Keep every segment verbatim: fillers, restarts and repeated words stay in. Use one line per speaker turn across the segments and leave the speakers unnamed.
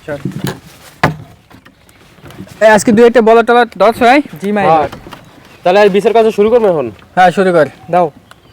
চল এই আজকে দুই একটা বলা টলা দশ হয় জি মাই
হ্যাঁ, তাহলে আর বিচার কাজ শুরু করবো এখন।
হ্যাঁ শুরু কর দাও।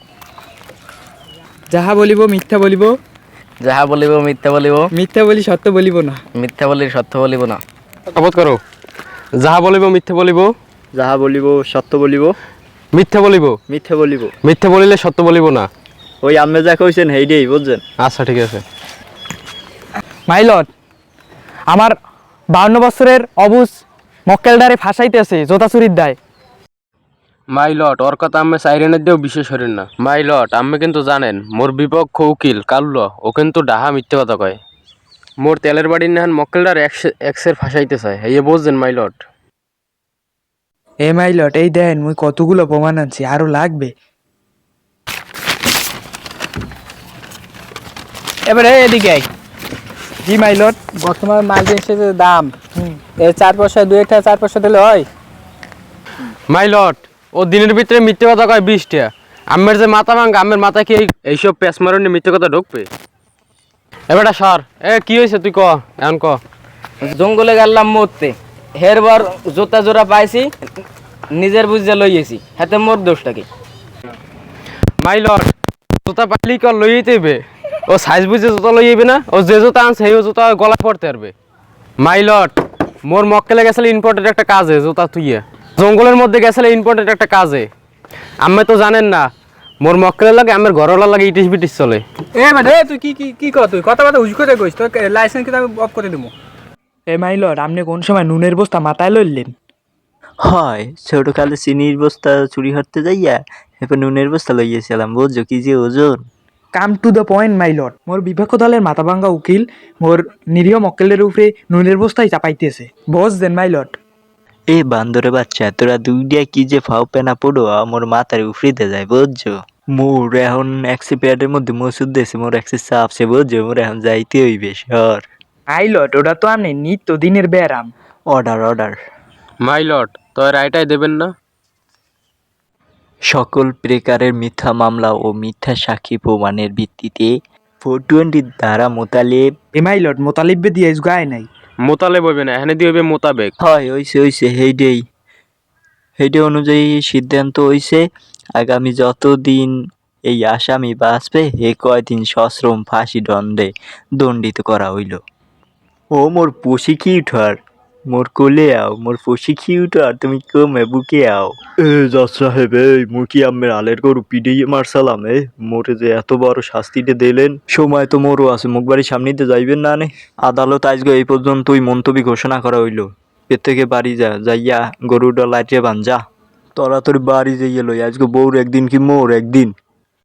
যাহা বলিব মিথ্যা বলিব,
যাহা বলিব মিথ্যা বলিব,
মিথ্যা বলি সত্য বলিব না।
মিথ্যা বলি সত্য বলিব না।
শপথ করো। যাহা বলিব মিথ্যে বলিব,
যাহা বলিব সত্য বলিব,
মিথ্যে বলিব,
মিথ্যে বলিব।
মিথ্যে বলিলে সত্য বলিব না।
ওই আপনি যা কইছেন হেইডেই বুঝছেন।
আচ্ছা ঠিক আছে।
মাই লর্ড, আমার বাউন্ন বছরের অবুজ মক্কেলডারে ফাঁসাইতেছে জোতা চুরির দায়।
মাই লট ওর কথা আমি সাইরেনের দিয়েও বিশেষ হরেন না। মাই লট আমি কিন্তু জানেন মোর বিপক্ষ উকিল কাল্ল ও কিন্তু ডাহা মিথ্যে কথা কয়। মোর তেলের বাড়ির নেহান মক্কেলডার এক্সের ফাঁসাইতে চায়, এই বুঝছেন মাই লট।
এ মাই লর্ড, এই দেন মুই কতগুলো প্রমাণ আনছি, আরো লাগবে। এবারে এদিকে আই। জি মাই লর্ড, বর্তমান মাল জিনিসের যে দাম এর চার পয়সা দুই একটা চার পয়সা দিলে হয়।
মাই লট ও দিনের ভিতরে মিথ্যে কথা কয় বিশটা। আমের যে মাথা ভাঙ্গা, আমের মাথায় কি এই- এইসব পেঁচ মারণে মিথ্যে কথা ঢুকবে? এবারটা সর। এ কি হয়েছে তুই ক, এখন ক।
জঙ্গলে গেলাম মরতে, হেরবার জোতা জোড়া পাইছি, নিজের বুঝে লইয়েছি, হাতে মোর দোষটা কি?
মাই লট জুতা পাইলি কর লইয়ে দেবে, ও সাইজ বুঝে জুতা লইয়েবে না, ও যে জুতা আনছে সেই জুতা গলা পড়তে পারবে। মাই লট মোর মক্কেলে গেছিলে ইম্পর্টেন্ট একটা কাজে, জুতা তুইয়ে জঙ্গলের মধ্যে গেছিলে ইম্পর্টেন্ট একটা কাজে। আমি তো জানেন না মোর মক্কেলের লাগে আমার ঘরওয়ালা লাগে ইটিস বিটিস চলে।
এ মানে এ তুই কি কি কি কর, তুই কথা কথা হুজ করে কইস, তোর লাইসেন্স কিন্তু আমি অফ করে দেবো। এ মাই লর্ড, আপনি কোন সময় নুনের বস্তা মাথায় লইলেন?
হয় ছোটকালে চিনির বস্তা চুরি করতে যাইয়া এরপর নুনের বস্তা লইয়েছিলাম, বুঝছো কি যে ওজন।
Come to the point my lord, মোর বিপক্ষ দলের মাথাভাঙ্গা উকিল মোর নিরীহ মক্কেলের উপরে নুনের বস্তায় চাপাইতেছে, বুঝছেন মাই লর্ড।
এ বান্দরে বাচ্চা, তোরা দুইটা কি যে ফাও পেনা পড়ো আমার মাথার উফরিতে যায়, বুঝছো। মোর এখন একশো প্যাডের মধ্যে মসুদ দিয়েছে, মোর একশো চাপছে, বুঝছো। মোর এখন যাইতে হইবে সর।
মাই লর্ড, ওটা তো আপনি নিত্য দিনের ব্যায়াম।
Order order.
মাই লট তো রায়টাই দেবেন না?
সকল প্রকারের মিথ্যা মামলা ও মিথ্যা সাক্ষী প্রমাণের ভিত্তিতে ফোর টোয়েন্টির দ্বারা মোতালেব।
এ মাই লর্ড, মোতালিব্বে দিয়ে গায় নাই।
মোতালে বইবে না, এখানে দিয়ে হইবে মোতাবেক।
হয় হইছে হইছে হেইডেই হেইডে অনুযায়ী সিদ্ধান্ত হইছে আগামী যতদিন এই আসামি বাঁচবে হে কয়দিন সশ্রম ফাঁসি দণ্ডে দণ্ডিত করা হইল। ও মোর প্রসিকিউটর, মোর কোলে আও, মোর প্রসিকিউটর তুমি কমে বুকে আও। এ জজ সাহেব, এই মুই কি আমের আলের গরু পিডিয়ে মারসালাম? এ মোরে যে এত বড় শাস্তিটা দিলেন, সময় তো মোরও আছে, মুখ বাড়ির সামনেতে যাইবেন না নে। আদালত আজকে এই পর্যন্তই মন্তব্য ঘোষণা করা হইল। এর থেকে বাড়ি যা, যাইয়া গরুটা লাইটে বান যা। তোরা তোর বাড়ি যাইয়ে লই, আজকে বউর একদিন কি মোর একদিন।